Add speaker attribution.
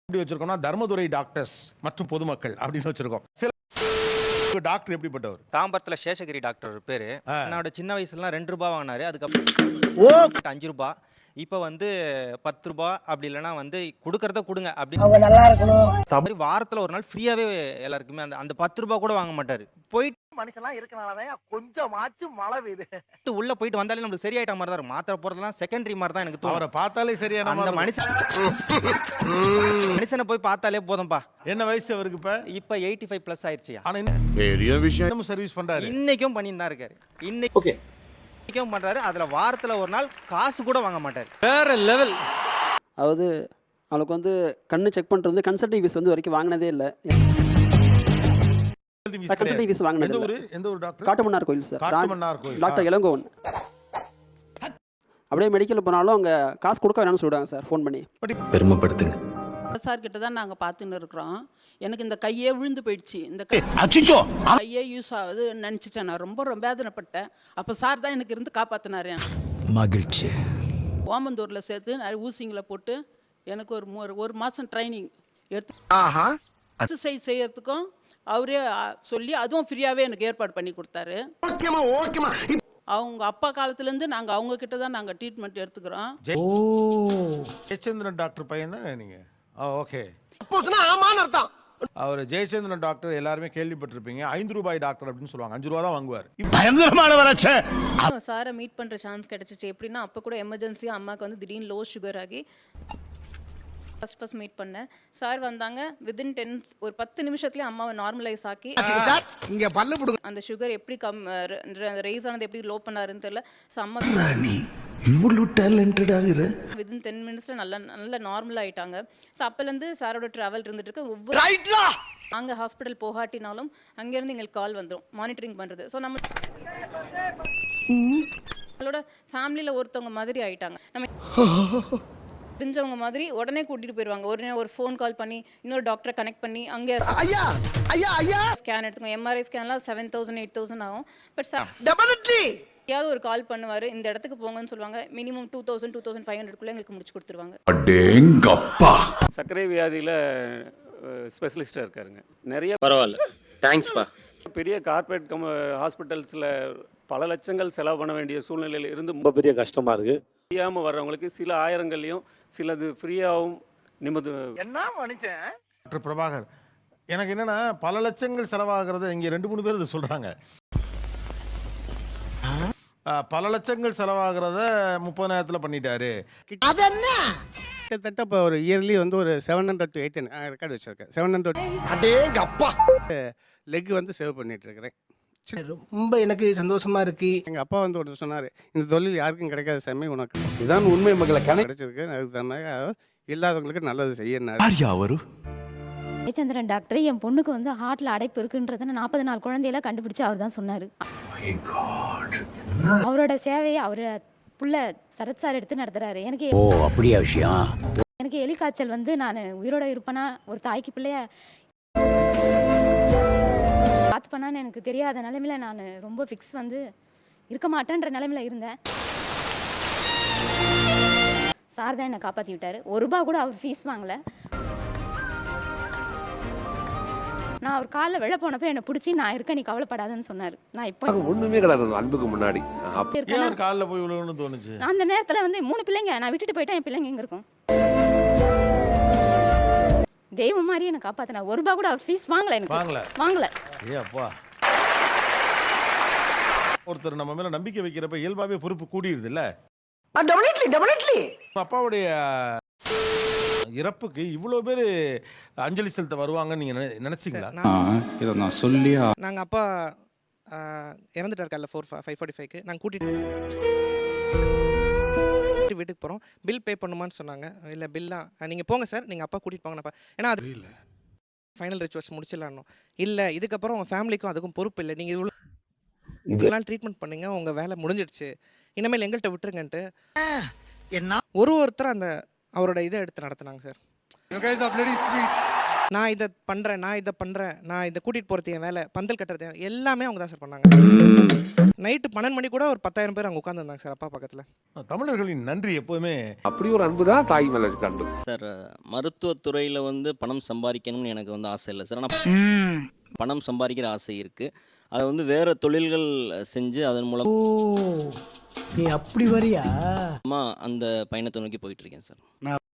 Speaker 1: எப்படி வச்சிருக்கோம்னா தர்மதுரை டாக்டர்ஸ் மற்றும் பொதுமக்கள் அப்படின்னு வச்சிருக்கோம். சில டாக்டர் எப்படிப்பட்டவர்?
Speaker 2: தாம்பரத்தில் சேஷகிரி டாக்டர் பேரு. என்னோட சின்ன வயசுலாம் 2 ரூபா வாங்கினாரு. அதுக்கப்புறம் 5 ரூபா. இப்போ வந்து 10 ரூபா அப்படி இல்லைன்னா வந்து கொடுக்கறத கொடுங்க அப்படின்னு நல்லா இருக்கணும். வாரத்தில் ஒரு நாள் ஃப்ரீயாவே எல்லாருக்குமே அந்த 10 ரூபா கூட வாங்க மாட்டாரு. போயிட்டு
Speaker 3: மனுஷன்லாம் இருக்கனாலதான் கொஞ்சமாச்சும் மழை பெய்யுது.
Speaker 2: உள்ள போயிட்டு வந்தாலே நம்மளுக்கு சரியாயிட்ட மாதிரி தான் இருக்கும். மாத்திரை போறதெல்லாம் செகண்டரி மாதிரி தான் எனக்கு தோணும்.
Speaker 1: அவரை பார்த்தாலே சரியான
Speaker 2: அந்த மனுஷனை போய் பார்த்தாலே போதும்பா.
Speaker 1: என்ன வயசு அவருக்கு
Speaker 2: இப்ப 85 பிளஸ் ஆயிடுச்சு.
Speaker 1: ஆனா பெரிய விஷயம் சர்வீஸ் பண்றாரு.
Speaker 2: இன்னைக்கும் பண்ணிட்டு தான் இருக்காரு. இன்னைக்கும் பண்றாரு. அதுல வாரத்துல ஒரு நாள் காசு கூட வாங்க மாட்டாரு.
Speaker 4: வேற லெவல்.
Speaker 5: அதாவது அவளுக்கு வந்து கண்ணு செக் பண்றது கன்சல்டிங் ஃபீஸ் வந்து வரைக்கும் வாங்கினதே இல்லை. கன்சல்டிங் ஃபீஸ் வாங்கினது
Speaker 1: எந்த ஒரு டாக்டர்?
Speaker 5: காட்டுமன்னார் கோயில் சார்.
Speaker 1: காட்டுமன்னார் கோயில்
Speaker 5: டாக்டர் இளங்கோவன். அப்படியே மெடிக்கல் போனாலும் அவங்க காசு கொடுக்க வேணாம்னு சொல்லுவாங்க சார் ஃபோன் பண்ணி.
Speaker 4: பெருமைப்படுத்துங்க.
Speaker 6: சார் கிட்ட தான் நாங்கள் பார்த்துன்னு இருக்கிறோம். எனக்கு இந்த கையே விழுந்து போயிடுச்சு. இந்த கையே யூஸ் ஆகுது நினச்சிட்டேன். நான் ரொம்ப வேதனைப்பட்டேன். அப்போ சார் தான் எனக்கு இருந்து காப்பாற்றினாரு.
Speaker 4: மகிழ்ச்சி.
Speaker 6: ஓமந்தூரில் சேர்த்து நிறைய ஊசிங்களை போட்டு எனக்கு ஒரு மாதம் ட்ரைனிங் எடுத்து எக்ஸசைஸ் செய்யறதுக்கும் அவரே சொல்லி அதுவும் ஃப்ரீயாகவே எனக்கு ஏற்பாடு பண்ணி கொடுத்தாரு. அவங்க அப்பா காலத்துலேருந்து நாங்கள் அவங்க கிட்ட தான் நாங்கள் ட்ரீட்மெண்ட் எடுத்துக்கிறோம்.
Speaker 1: ஜெயச்சந்திரன் டாக்டர் பையன் தான் நீங்க? ஓகே.
Speaker 3: ஆமான்னு அர்த்தம்.
Speaker 1: அவர் ஜெயச்சந்திரன் டாக்டர் எல்லாருமே கேள்விப்பட்டிருப்பீங்க. 5 ரூபாய் டாக்டர் அப்படின்னு சொல்லுவாங்க. 5 ரூபா தான் வாங்குவார்.
Speaker 7: பயங்கரமானவராச்சே. சாரை மீட் பண்ற சான்ஸ் கிடைச்சிச்சு. எப்படின்னா அப்போ கூட எமர்ஜென்சியா அம்மாவுக்கு வந்து திடீர்னு லோ சுகர் ஆகி ஃபர்ஸ்ட் மீட் பண்ணேன். சார் வந்தாங்க. வித்தின் 10 நிமிஷத்துலேயே அம்மாவை நார்மலைஸ் ஆக்கி
Speaker 3: இங்க பல்லு புடுங்க.
Speaker 7: அந்த சுகர் எப்படி ரைஸ் ஆனது எப்படி லோ பண்ணாருன்னு தெரியல. ஸோ அம்மா
Speaker 4: இவ்வளவு டேலண்டட் ஆகுற
Speaker 7: வித்தின் 10 மினிட்ஸில் நல்ல நார்மல் ஆயிட்டாங்க. ஸோ அப்போலேருந்து சாரோட ட்ராவல் இருந்துட்டு இருக்கு. ஒவ்வொரு நாங்கள் ஹாஸ்பிட்டல் போகாட்டினாலும் அங்கேருந்து எங்களுக்கு கால் வந்துடும் மானிட்டரிங் பண்ணுறது. ஸோ நம்மளோட ஃபேமிலியில் ஒருத்தவங்க மாதிரி ஆயிட்டாங்க. நம்ம தெரிஞ்சவங்க மாதிரி உடனே கூட்டிட்டு போயிடுவாங்க. ஒரு ஃபோன் கால் பண்ணி இன்னொரு டாக்டரை கனெக்ட் பண்ணி அங்கே ஸ்கேன் எடுத்துக்கோங்க. எம்ஆர்ஐ ஸ்கேன்லாம் 7000 8000 ஆகும். பட் யாவது ஒரு கால் பண்ணுவார். இந்த இடத்துக்கு போங்கன்னு சொல்லுவாங்க. மினிமம் 2000 2500 எங்களுக்கு முடிச்சு கொடுத்துருவாங்க.
Speaker 8: சர்க்கரை வியாதியில் ஸ்பெஷலிஸ்டாக இருக்காருங்க. நிறைய
Speaker 4: பரவாயில்ல. தேங்க்ஸ்ப்பா.
Speaker 8: பெரிய கார்பரேட் ஹாஸ்பிட்டல்ஸில் பல லட்சங்கள் செலவு பண்ண வேண்டிய சூழ்நிலையில் இருந்து ரொம்ப பெரிய கஷ்டமாக இருக்குது. தெரியாமல் வர்றவங்களுக்கு சில ஆயிரங்கள்லையும் சிலது ஃப்ரீயாகவும் நிம்மதி.
Speaker 3: என்ன மனுஷன்
Speaker 1: டாக்டர் பிரபாகர், எனக்கு என்னன்னா பல லட்சங்கள் செலவாகிறத இங்கே 2-3 பேர் இது சொல்றாங்க. பல லட்சங்கள் செலவாகிறத 30 நேரத்தில் பண்ணிட்டாரு.
Speaker 9: கிட்டத்தட்ட இப்போ ஒரு இயர்லி வந்து ஒரு 700 to 800 ரெக்கார்டு வச்சிருக்கேன். 700
Speaker 3: அப்பா
Speaker 9: லெக் வந்து சேவ் பண்ணிட்டு இருக்கிறேன்.
Speaker 3: ரொம்ப எனக்கு சந்தோஷமா இருக்கு.
Speaker 9: எங்கள் அப்பா வந்து ஒருத்தர் சொன்னார், இந்த தொழில் யாருக்கும் கிடைக்காத சாமி, உனக்கு
Speaker 4: இதான் உண்மை மக்களை
Speaker 9: கிடைச்சிருக்கு. அதுக்கு தந்தாங்க இல்லாதவங்களுக்கு நல்லது செய்யணும்.
Speaker 7: ஜெயச்சந்திரன் டாக்டர் என் பொண்ணுக்கு வந்து ஹார்ட்ல அடைப்பு இருக்குன்றத 40 நாள் குழந்தையில கண்டுபிடிச்சு அவர் தான் சொன்னார். அவரோட சேவையை அவரை புள்ள சரத் சார் எடுத்து நடத்துறாரு. எனக்கு
Speaker 4: அப்படியா விஷயம்.
Speaker 7: எனக்கு எலிக்காய்ச்சல் வந்து நான் உயிரோட இருப்பேனா ஒரு தாய்க்கு பிள்ளைய பார்த்து பண்ணான்னு எனக்கு தெரியாத நிலைமையில நான் ரொம்ப ஃபிக்ஸ் வந்து இருக்க மாட்டேன்ற நிலைமையில இருந்தேன். சார் தான் என்னை காப்பாற்றி விட்டார். 1 ரூபா கூட அவர் ஃபீஸ் வாங்கலை. நான் அவர் காலில் விழ போனப்போ என்னை பிடிச்சி நான் இருக்க நீ கவலைப்படாதன்னு சொன்னார். நான் இப்போ
Speaker 4: ஒண்ணுமே கிடையாது அன்புக்கு முன்னாடி
Speaker 1: காலில் போய் விழுகணும்னு தோணுச்சு.
Speaker 7: அந்த நேரத்தில் வந்து 3 பிள்ளைங்க நான் விட்டுட்டு போயிட்டேன். என் பிள்ளைங்க எங்கே இருக்கும்? தெய்வம் மாதிரி என்னை காப்பாத்தினா. 1 ரூபா கூட அவர் ஃபீஸ் வாங்கலை. எனக்கு வாங்கலை.
Speaker 1: அப்பா, ஒருத்தர் நம்ம மேல நம்பிக்கை வைக்கிறப்ப இயல்பாவே பொறுப்பு கூடிடுது இல்ல? அப்பாவுடைய இறப்புக்கு இவ்வளவு பேர் அஞ்சலி செலுத்த வருவாங்கன்னு நீங்க நினைச்சீங்களா?
Speaker 10: இதை நான் சொல்லியா?
Speaker 3: நாங்க அப்பா இறந்துட்டார் காலைல 5:45க்கு. நாங்கள் கூட்டிட்டு வீட்டுக்கு போகிறோம். பில் பே பண்ணுமான்னு சொன்னாங்க. இல்லை பில்லாம் நீங்கள் போங்க சார், நீங்கள் அப்பா கூட்டிகிட்டு போங்கப்பா. ஏன்னா அது ஃபைனல் ரிச்சுவல்ஸ் முடிச்சிடலான்னு. இல்லை இதுக்கப்புறம் உங்கள் ஃபேமிலிக்கும் அதுக்கும் பொறுப்பு இல்லை. நீங்கள் இவ்வளோ நாள் ட்ரீட்மெண்ட் பண்ணீங்க, உங்கள் வேலை முடிஞ்சிடுச்சு, இனிமேல் எங்கள்கிட்ட விட்டுருங்கன்ட்டு என்ன ஒருத்தர் அந்த அவரோட இதை எடுத்து நடத்துனாங்க சார். நான் இதை பண்ணுறேன், நான் இதை கூட்டிகிட்டு போகிறது என் வேலை, பந்தல் கட்டுறது எல்லாமே அவங்க தான் சார் பண்ணாங்க. நைட்டு 12 மணி கூட ஒரு 10,000 பேர் அங்கே உட்காந்துருந்தாங்க சார் அப்பா பக்கத்தில்.
Speaker 1: தமிழர்களின் நன்றி எப்போதுமே
Speaker 4: அப்படி ஒரு அன்பு தான் தாய் மேல இருக்க அன்பு.
Speaker 11: சார் மருத்துவத்துறையில் வந்து பணம் சம்பாதிக்கணும்னு எனக்கு வந்து ஆசை இல்லை சார். ஆனால் பணம் சம்பாதிக்கிற ஆசை இருக்குது. அதை வந்து வேறு தொழில்கள் செஞ்சு அதன் மூலம்
Speaker 9: நீ அப்படி வரியா?
Speaker 11: அந்த பயணத்தை நோக்கி போயிட்டுருக்கேன் சார்.